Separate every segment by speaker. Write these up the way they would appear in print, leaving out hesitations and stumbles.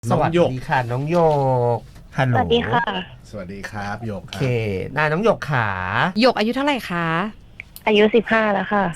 Speaker 1: สวัสดีค่ะน้องโยกฮัลโหล
Speaker 2: สวัสดีค่ะ
Speaker 3: สวัสดีครับโยก
Speaker 1: โอเคน้องโยกขา
Speaker 4: หยกอายุเท่าไหร่คะ
Speaker 2: อายุ15แล้วค่ะ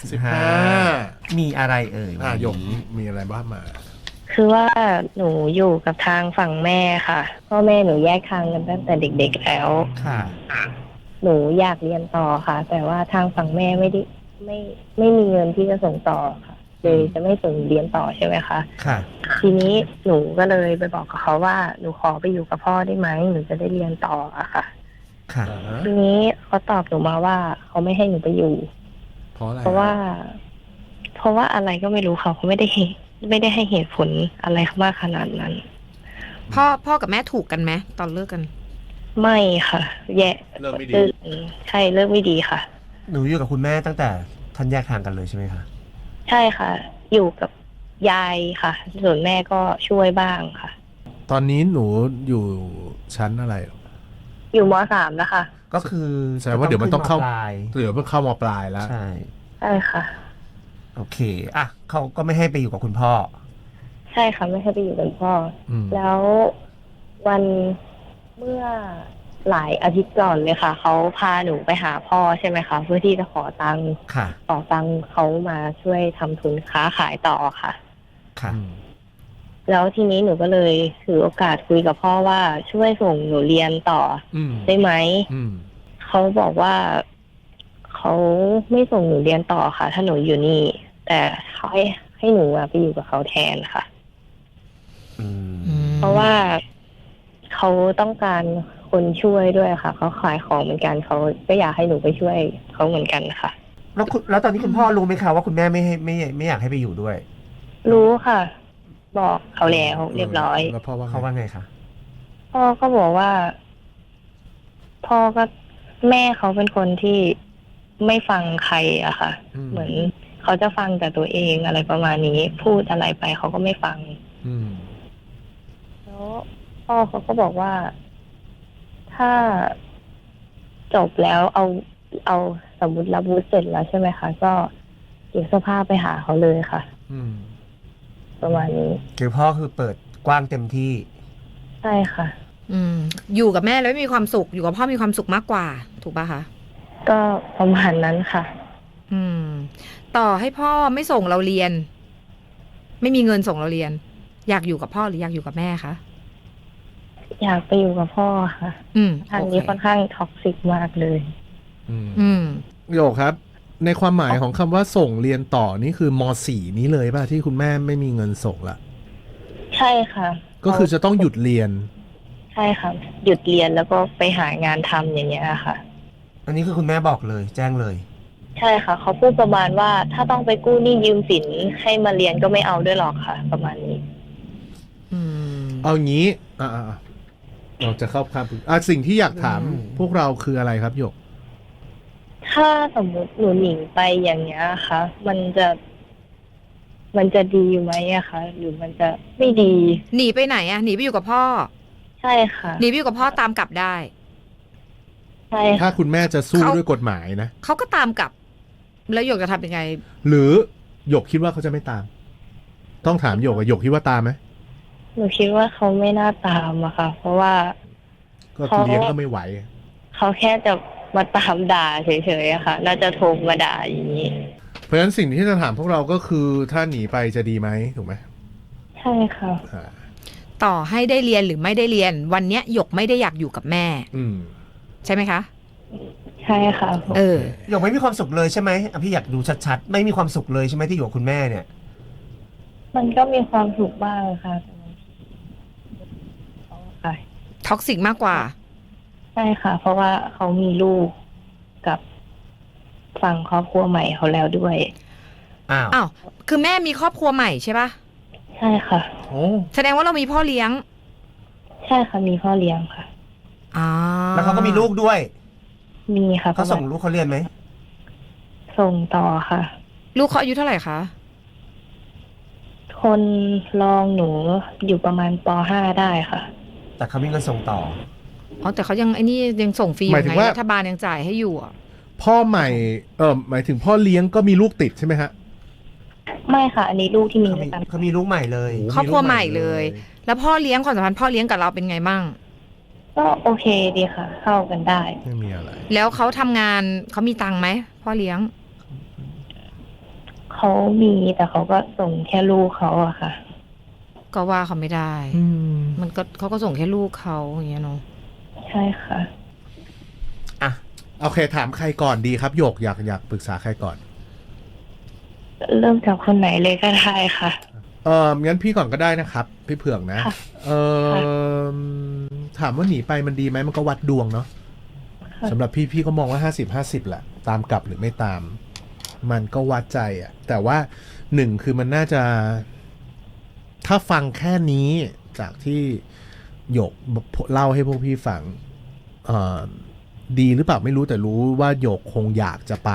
Speaker 1: 15มีอะไรเอ่ย
Speaker 3: โยกมีอะไรบ้างมา
Speaker 2: คือว่าหนูอยู่กับทางฝั่งแม่ค่ะพ่อแม่หนูแยกทางกันตั้งแต่เด็กๆแล้ว
Speaker 1: ค่ะ
Speaker 2: หนูอยากเรียนต่อค่ะ แต่ว่าทางฝั่งแม่ไม่มีเงินที่จะส่งต่อค่ะเลยจะไม่ส่งเรียนต่อใช่ไหมคะ
Speaker 1: ค่ะ
Speaker 2: ทีนี้หนูก็เลยไปบอกกับเขาว่าหนูขอไปอยู่กับพ่อได้ไหมหนูจะได้เรียนต่ออะค่ะ
Speaker 1: ค่ะ
Speaker 2: ทีนี้เขาตอบหนูมาว่าเขาไม่ให้หนูไปอยู่
Speaker 3: เพราะอะไร
Speaker 2: เพราะว่าอะไรก็ไม่รู้ค่ะเขาไม่ได้ให้เหตุผลอะไรมากขนาดนั้น
Speaker 4: พ่อกับแม่ถูกกันไหมตอนเลิกกัน
Speaker 2: ไม่ค่ะ แย่
Speaker 3: เริ่มไม่ดี
Speaker 2: ใช่เลิกไม่ดีค่ะ
Speaker 1: หนูอยู่กับคุณแม่ตั้งแต่ท่านแยกทางกันเลยใช่ไหมคะ
Speaker 2: ใช่ค่ะ อยู่กับยายค่ะ ส่วนแม่ก็ช่วยบ้างค่ะ
Speaker 3: ตอนนี้หนูอยู่ชั้นอะไร
Speaker 2: อยู่ม.3แล้วค่ะ
Speaker 1: ก็คือ
Speaker 3: แสดงว่าเดี๋ยวมันต้องเข้า
Speaker 1: ปลาย
Speaker 3: เดี๋ยวเพิ่งเข้ามปลายแล้ว
Speaker 1: ใช่
Speaker 2: ใช่ค่ะ
Speaker 1: โอเคอ่ะเขาก็ไม่ให้ไปอยู่กับคุณพ่อ
Speaker 2: ใช่ค่ะไม่ให้ไปอยู่กับพ่ออ
Speaker 3: ม
Speaker 2: แล้ววันเมื่อหลายอาทิตย์ก่อนเลยค่ะเขาพาหนูไปหาพ่อใช่ไหมคะเพื่อที่จะขอตังค์
Speaker 1: ค่ะ
Speaker 2: เขามาช่วยทำทุนค้าขายต่อค่ะ
Speaker 1: ค่ะ
Speaker 3: อืม
Speaker 2: แล้วทีนี้หนูก็เลยถือโอกาสคุยกับพ่อว่าช่วยส่งหนูเรียนต่อ
Speaker 3: อืม
Speaker 2: ได้ไหม
Speaker 3: อืม
Speaker 2: เขาบอกว่าเขาไม่ส่งหนูเรียนต่อค่ะ ถ้าหนูอยู่นี่ แต่เขาให้หนูไปอยู่กับเขาแทนค่ะ
Speaker 1: อืม
Speaker 2: เพราะว่าเขาต้องการคนช่วยด้วยค่ะเขาขายของเหมือนกันเขาก็อยากให้หนูไปช่วยเขาเหมือนกันค่ะ
Speaker 1: แล้วตอนนี้คุณพ่อรู้ไหมคะว่าคุณแม่ไม่อยากให้ไปอยู่ด้วย
Speaker 2: รู้ค่ะ บอกเขาแล้วเรียบร้อย
Speaker 3: แล้วพ่อว่า
Speaker 1: เขาว่าไงคะ
Speaker 2: พ่อก็บอกว่า พ่อก็แม่เขาเป็นคนที่ไม่ฟังใครอะค่ะ เหมือนเขาจะฟังแต่ตัวเองอะไรประมาณนี้ พูดอะไรไปเขาก็ไม่ฟัง
Speaker 3: อืม
Speaker 2: แล้วพ่อเขาก็บอกว่าถ้าจบแล้วเอาสมมติรับวุฒิเสร็จแล้วใช่ไหมคะ ก็เก็บเสื้อผ้าไปหาเขาเลยค่ะ
Speaker 3: อืม
Speaker 2: ประมาณนี้
Speaker 1: คือพ่อคือเปิดกว้างเต็มที่
Speaker 2: ใช่ค่ะ
Speaker 4: อยู่กับแม่แล้วไม่มีความสุขอยู่กับพ่อมีความสุขมากกว่า ถูกป่ะคะ
Speaker 2: ก็ประมาณนั้นค่ะ
Speaker 4: ต่อให้พ่อไม่ส่งเราเรียน ไม่มีเงินส่งเราเรียน อยากอยู่กับพ่อหรืออยากอยู่กับแม่คะ
Speaker 2: อยากไปอยู่กับพ่อค่ะทางนี้
Speaker 4: โอเค
Speaker 2: ค่อนข้างท็อกซิกมากเลย
Speaker 3: อืม
Speaker 4: อืม
Speaker 3: โยกครับ ในความหมายของคำว่าส่งเรียนต่อนี่คือม .4 นี้เลยป่ะที่คุณแม่ไม่มีเงินส่งละ
Speaker 2: ใช่ค่ะ
Speaker 3: ก็คือจะต้องหยุดเรียน
Speaker 2: ใช่ค่ะ หยุดเรียนแล้วก็ไปหางานทำอย่างเงี้ยค่ะ
Speaker 1: อันนี้คือคุณแม่บอกเลย แจ้งเลย
Speaker 2: ใช่ค่ะเขาพูดประมาณว่าถ้าต้องไปกู้หนี้ยืมสินให้มาเรียนก็ไม่เอาด้วยหรอกค่ะ ประมาณนี้
Speaker 3: เอางี้เราจะเข้าคำสิ่งที่อยากถาม
Speaker 1: อืม
Speaker 3: พวกเราคืออะไรครับโยก
Speaker 2: ถ้าสมมติหนูหนีไปอย่างเงี้ยค่ะ มันจะดีไหมอะคะหรือมันจะไม่ดี
Speaker 4: หนีไปไหนอะหนีไปอยู่กับพ่อ
Speaker 2: ใช่ค่ะ
Speaker 4: หนีไปอยู่กับพ่อตามกลับได้
Speaker 2: ใช่
Speaker 3: ถ้า
Speaker 2: ค่ะ
Speaker 3: คุณแม่จะสู้
Speaker 4: เขา
Speaker 3: ด้วยกฎหมายนะ
Speaker 4: เขาก็ตามกลับ แล้วหยกจะทำยังไง
Speaker 3: หรือหยกคิดว่าเขาจะไม่ตาม ต้องถามหยกอะหยกคิดว่าตามไหม
Speaker 2: หนูคิดว่าเขาไม่น่าตามอะค่ะ เพราะว่า
Speaker 3: ก็เลี้ยงก็ไม่ไหว
Speaker 2: เขาแค่จะมาตามด่าเฉยๆอะค่ะ น่าจะโทรมาด่าอย่างนี้
Speaker 3: เพราะฉะนั้นสิ่งที่จะถามพวกเราก็คือถ้าหนีไปจะดีไหมถูกไหม
Speaker 2: ใช่ค่ะ
Speaker 3: อ่า
Speaker 4: ต่อให้ได้เรียนหรือไม่ได้เรียน วันเนี้ยหยกไม่ได้อยากอยู่กับแม่
Speaker 3: อืม
Speaker 4: ใช่ไหมคะ
Speaker 2: ใช่ค่ะ
Speaker 4: เออ
Speaker 1: หยกไม่มีความสุขเลยใช่ไหมอ่ะพี่อยากดูชัดๆ ไม่มีความสุขเลยใช่ไหมที่อยู่กับคุณแม่เนี่ย
Speaker 2: มันก็มีความสุขบ้างค่ะแต่บางทีค่ะ
Speaker 4: ท็อกซิกมากกว่า
Speaker 2: ใช่ค่ะ เพราะว่าเขามีลูกกับฝั่งครอบครัวใหม่เขาแล้วด้วย
Speaker 1: อ้าว
Speaker 4: อ้าว คือแม่มีครอบครัวใหม่ใช่ปะ
Speaker 2: ใช่ค่ะ
Speaker 3: โอ้
Speaker 4: แสดงว่าเรามีพ่อเลี้ยง
Speaker 2: ใช่ค่ะ มีพ่อเลี้ยงค่ะ
Speaker 4: อ่า
Speaker 1: แล้วเขาก็มีลูกด้วย
Speaker 2: มีค่ะ
Speaker 1: เขาส่งลูกเขาเรียนไหม
Speaker 2: ส่งต่อค่ะ
Speaker 4: ลูกเขาอายุเท่าไหร่คะ
Speaker 2: คนรองหนูอยู่ประมาณป .5 ได้ค่ะ
Speaker 1: แต่เขามีเงินส่งต่อ
Speaker 4: อ๋อ แต่เขายังไอ้นี่ยังส่งฟรีอยู่ไงรัฐบาลยังจ่ายให้อยู่อ่ะ
Speaker 3: พ่อใหม่หมายถึงพ่อเลี้ยงก็มีลูกติดใช่ไหมฮะ
Speaker 2: ไม่ค่ะ อันนี้ลูกที่มี
Speaker 1: เขา
Speaker 2: ด้วยกัน
Speaker 1: มีลูกใหม่เลย
Speaker 3: โอ้โห
Speaker 4: ครอบครัวใหม่เลยแล้วพ่อเลี้ยงความสัมพันธ์พ่อเลี้ยงกับเราเป็นไงบ้าง
Speaker 2: ก็โอเคดีค่ะ เข้ากันได้
Speaker 3: ไม่มีอะไร
Speaker 4: แล้วเขาทำงานเขามีตังค์ไหมพ่อเลี้ยง
Speaker 2: เขามีแต่เขาก็ส่งแค่ลูกเขาอะค่ะ
Speaker 4: ก็ว่าเขาไม่ได้
Speaker 3: อืม
Speaker 4: มันก็เขาก็ส่งแค่ลูกเขาอย่างเงี้ยเนาะ
Speaker 2: ใช่ค่ะ
Speaker 1: อ่ะ
Speaker 3: โอเคถามใครก่อนดีครับหยกอยากปรึกษาใครก่อน
Speaker 2: เริ่มจากคนไหนเลยก็ได้ค่ะ
Speaker 3: งั้นพี่ก่อนก็ได้นะครับ พี่เผือกนะ
Speaker 2: ค่ะ
Speaker 3: ถามว่าหนีไปมันดีไหมมันก็วัดดวงเนาะ
Speaker 2: ค่ะ
Speaker 3: สำหรับพี่ก็มองว่า50-50แหละตามกลับหรือไม่ตาม มันก็วัดใจอะแต่ว่าหนึ่งคือมันน่าจะ ถ้าฟังแค่นี้จากที่หยกเล่าให้พวกพี่ฟังดีหรือเปล่าไม่รู้แต่รู้ว่าหยกคงอยากจะไป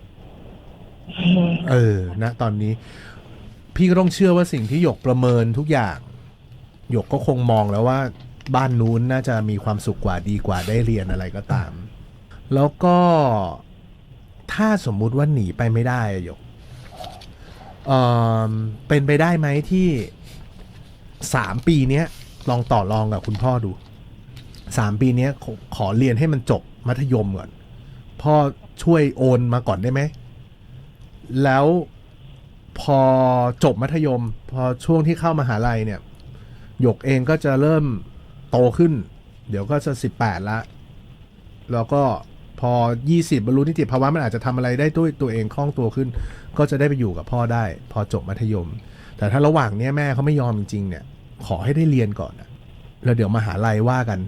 Speaker 3: นะตอนนี้ พี่ก็ต้องเชื่อว่าสิ่งที่หยกประเมินทุกอย่างหยกก็คงมองแล้วว่าบ้านนู้นน่าจะมีความสุขกว่าดีกว่าได้เรียนอะไรก็ตาม แล้วก็ถ้าสมมุติว่าหนีไปไม่ได้อะหยกเป็นไปได้ไหมที่3 ปีเนี้ยลองต่อรองกับคุณพ่อดู3 ปีเนี้ยขอเรียนให้มันจบมัธยมก่อนพ่อช่วยโอนมาก่อนได้ไหมแล้วพอจบมัธยม พอช่วงที่เข้ามหาลัยเนี่ยหยกเองก็จะเริ่มโตขึ้น เดี๋ยวก็จะ18ละแล้วก็พอ20บรรลุนิติภาวะมันอาจจะทำอะไรได้ด้วยตัวเองคล่องตัวขึ้น ก็จะได้ไปอยู่กับพ่อได้ พอจบมัธยม แต่ถ้าระหว่างนี้แม่เขาไม่ยอมจริงๆเนี่ย ขอให้ได้เรียนก่อนนะแล้วเดี๋ยวมหาลัยว่ากัน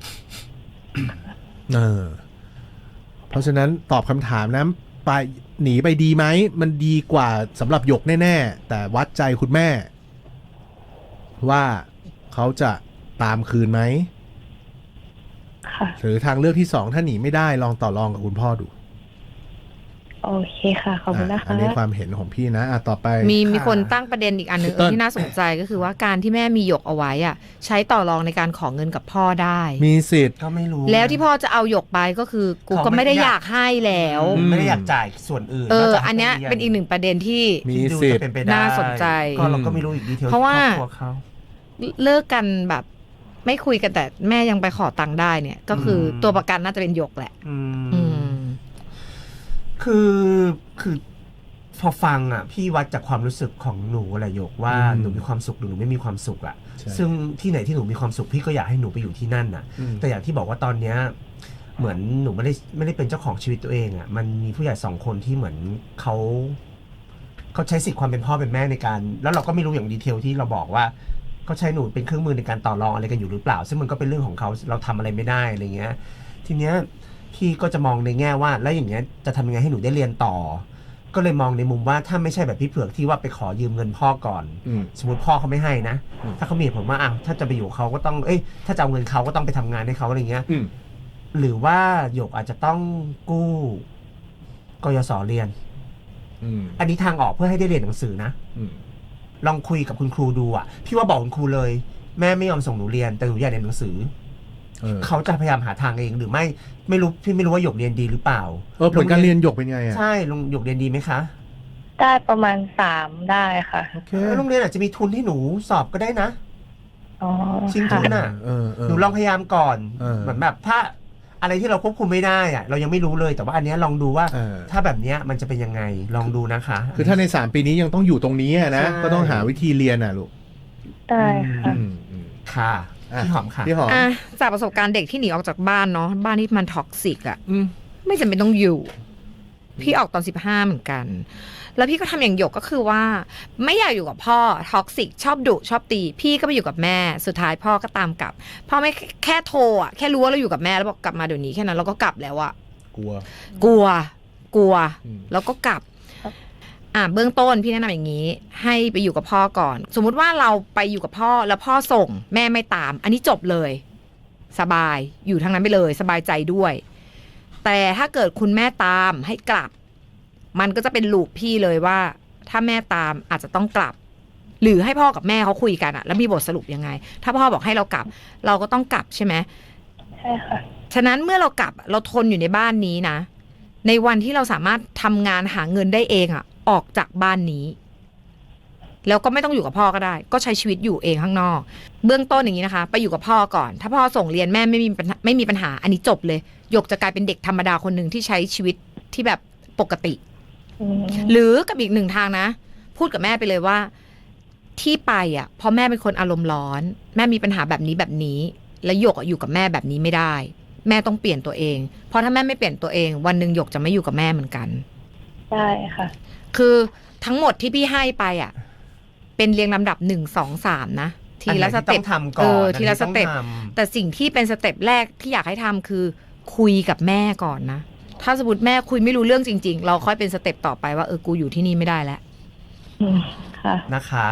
Speaker 3: เพราะฉะนั้นตอบคำถามนะไปหนีไปดีไหมมันดีกว่าสำหรับหยกแน่ๆแต่วัดใจคุณแม่ ว่าเขาจะตามคืนไหม
Speaker 2: ค่ะ
Speaker 3: หรือทางเลือกที่2ถ้าหนีไม่ได้ลองต่อรองกับคุณพ่อดู
Speaker 2: โอเคค่ะ ขอบคุณนะคะ
Speaker 3: อันนี้ความเห็นของพี่นะต่อไป
Speaker 4: มีคนตั้งประเด็นอีกอันหนึ่ง
Speaker 3: พี่เติ้ล
Speaker 4: ที่น่าสนใจก็คือว่าการที่แม่มีหยกเอาไว้อะใช้ต่อรองในการขอเงินกับพ่อได้
Speaker 3: มีสิทธิ์
Speaker 1: ก็ไม่รู้
Speaker 4: แล้วที่พ่อจะเอาหยกไปก็คือกูก็ไม่ได้อยากให้แล้ว
Speaker 1: ไม่ได้อยากจ่ายส่วนอื่นนกจาก
Speaker 4: อันเนี้ย
Speaker 1: ให้
Speaker 4: เป็นอีกหนึ่งประเด็นที่
Speaker 3: มี
Speaker 1: ที่ดู
Speaker 3: สิท
Speaker 1: จะ
Speaker 3: ธิ์
Speaker 1: เป็นไปได้
Speaker 4: น่าสนใจ
Speaker 1: ก็เราก็ไม่รู้อีกดีเทล
Speaker 4: เพราะว่า
Speaker 1: ครอบครัวเขา
Speaker 4: เลิกกันแบบไม่คุยกันแต่แม่ยังไปขอตังค์ได้เนี่ย ก็คือตัวประกันน่าจะเป็นหยกแหละ อืม
Speaker 1: คือพอฟังอ่ะ พี่วัดจากความรู้สึกของหนูแหละหยกว่า
Speaker 3: อืม
Speaker 1: หนูมีความสุขหรือหนูไม่มีความสุขอ่ะ
Speaker 3: ใช่
Speaker 1: ซึ่งที่ไหนที่หนูมีความสุขพี่ก็อยากให้หนูไปอยู่ที่นั่นน่ะ แต่อย่างที่บอกว่าตอนเนี้ยเหมือนหนูไม่ได้เป็นเจ้าของชีวิตตัวเองอ่ะมันมีผู้ใหญ่2 คนที่เหมือนเขาใช้สิทธิ์ความเป็นพ่อเป็นแม่ในการ แล้วเราก็ไม่รู้อย่างดีเทลที่เราบอกว่าเขาใช้หนูเป็นเครื่องมือในการต่อรองอะไรกันอยู่หรือเปล่า ซึ่งมันก็เป็นเรื่องของเขาเราทำอะไรไม่ได้อะไรเงี้ย ทีเนี้ยพี่ก็จะมองในแง่ว่าแล้วอย่างเงี้ยจะทำยังไงให้หนูได้เรียนต่อ ก็เลยมองในมุมว่าถ้าไม่ใช่แบบพี่เผือกที่ว่าไปขอยืมเงินพ่อก่อน สมมติพ่อเขาไม่ให้นะ ถ้าเขามีเหตุผลว่าถ้าจะไปอยู่เขาก็ต้องถ้าจะเอาเงินเขาก็ต้องไปทำงานให้เขาอะไรเงี้ย หรือว่าหยกอาจจะต้องกู้กยศเรียน อันนี้ทางออกเพื่อให้ได้เรียนหนังสือนะ ลองคุยกับคุณครูดูอ่ะ พี่ว่าบอกคุณครูเลย แม่ไม่ยอมส่งหนูเรียนแต่หนูอยากเรียนหนังสือ เขาจะพยายามหาทางเองหรือไม่รู้พี่ไม่รู้ว่าหยกเรียนดีหรือเปล่า
Speaker 3: ผลการเรียนหยกเป็นไงอ่ะ
Speaker 1: ใช่ลงหยกเรียนดีไหมคะ
Speaker 2: ได้ประมาณ3ได้ค่ะ
Speaker 3: โอเค
Speaker 1: โรงเรียนอาจจะมีทุนให้หนูสอบก็ได้นะ
Speaker 2: อ๋อ
Speaker 1: ชิงทุ
Speaker 2: ค่ะ
Speaker 1: นน่ะ
Speaker 3: ห
Speaker 1: หนูลองพยายามก่อน
Speaker 3: เห
Speaker 1: มือนแบบถ้าอะไรที่เราควบคุมไม่ได้อะเรายังไม่รู้เลยแต่ว่าอันเนี้ยลองดูว่า ถ้าแบบเนี้ยมันจะเป็นยังไงลองดูนะคะ
Speaker 3: คือถ้าใน3 ปีนี้ยังต้องอยู่ตรงนี้อะนะ
Speaker 1: ใช่
Speaker 3: ก็ต้องหาวิธีเรียนอ่ะลูก
Speaker 2: ได้ค่ะ
Speaker 1: ค่ะพี่หอมค่ะ
Speaker 3: พี่หอม
Speaker 4: จากประสบการณ์เด็กที่หนีออกจากบ้านเนาะบ้านที่มันท็อกซิกอะไม่จำเป็นต้องอยู่ พี่ออกตอน15เหมือนกัน แล้วพี่ก็ทำอย่างหยกก็คือว่า ไม่อยากอยู่กับพ่อท็อกซิกชอบดุชอบตี พี่ก็ไปอยู่กับแม่สุดท้ายพ่อก็ตามกลับพ่อไม่แค่โทรอะแค่รู้ว่าเราอยู่กับแม่แล้วบอกกลับมาเดี๋ยวนี้แค่นั้นเราก็กลับแล้วอะ
Speaker 3: กลัว
Speaker 4: กลัว
Speaker 3: อืม
Speaker 4: แล้วก็กลับ เบื้องต้นพี่แนะนำอย่างนี้ ให้ไปอยู่กับพ่อก่อน สมมุติว่าเราไปอยู่กับพ่อแล้วพ่อส่งแม่ไม่ตาม อันนี้จบเลย สบายอยู่ทางนั้นไปเลย สบายใจด้วย แต่ถ้าเกิดคุณแม่ตามให้กลับ มันก็จะเป็นลูปพี่เลยว่า ถ้าแม่ตามอาจจะต้องกลับ หรือให้พ่อกับแม่เขาคุยกันอะแล้วมีบทสรุปยังไง ถ้าพ่อบอกให้เรากลับ เราก็ต้องกลับใช่ไหม
Speaker 2: ใช่ค่ะ
Speaker 4: ฉะนั้นเมื่อเรากลับเราทนอยู่ในบ้านนี้นะ ในวันที่เราสามารถทำงานหาเงินได้เองอะออกจากบ้านนี้แล้วก็ไม่ต้องอยู่กับพ่อก็ได้ ก็ใช้ชีวิตอยู่เองข้างนอก เบื้องต้นอย่างนี้นะคะ ไปอยู่กับพ่อก่อน ถ้าพ่อส่งเรียนแม่ไม่มีปัญหาอันนี้จบเลยหยกจะกลายเป็นเด็กธรรมดาคนหนึ่งที่ใช้ชีวิตที่แบบปกติ หรือกับอีกหนึ่งทางนะ พูดกับแม่ไปเลยว่าที่ไปอ่ะเพราะแม่เป็นคนอารมณ์ร้อนแม่มีปัญหาแบบนี้แล้วหยกอยู่กับแม่แบบนี้ไม่ได้แม่ต้องเปลี่ยนตัวเองเพราะถ้าแม่ไม่เปลี่ยนตัวเองวันหนึ่งหยกจะไม่อยู่กับแม่เหมือนกัน
Speaker 2: ใช่ค่ะ
Speaker 4: คือทั้งหมดที่พี่ให้ไปอ่ะเป็นเรียงลำดับ1 2 3นะทีละสเต็ปทีละสเต็ปแต่สิ่งที่เป็นสเต็ปแรกที่อยากให้ทำคือคุยกับแม่ก่อนนะถ้าสมมติแม่คุยไม่รู้เรื่องจริงๆเราค่อยเป็นสเต็ปต่อไปว่ากูอยู่ที่นี่ไม่ได้แล้ว
Speaker 2: ค่ะ
Speaker 1: นะคะ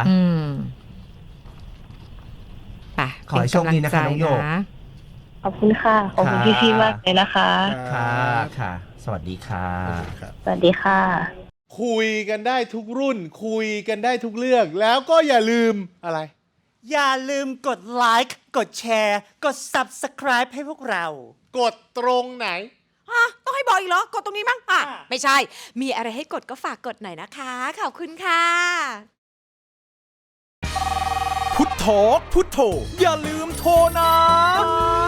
Speaker 4: ไป
Speaker 1: ขอให้โชคดีนะคะน้องหยก
Speaker 2: ขอบคุณค่ะขอบคุณพี่ๆมากเลยนะคะ
Speaker 1: ค่ะสวัสดีค่ะ
Speaker 2: สวัสดีค่ะ
Speaker 3: คุยกันได้ทุกรุ่นคุยกันได้ทุกเรื่องแล้วก็อย่าลืมอะไร
Speaker 5: อย่าลืมกดไลค์กดแชร์กด Subscribe ให้พวกเรา
Speaker 3: กดตรงไหน
Speaker 5: ต้องให้บอกอีกเหรอกดตรงนี้มั้งไม่ใช่มีอะไรให้กดก็ฝากกดหน่อยนะคะขอบคุณค่ะ
Speaker 6: พุทโธพุทโธอย่าลืมโทรนะ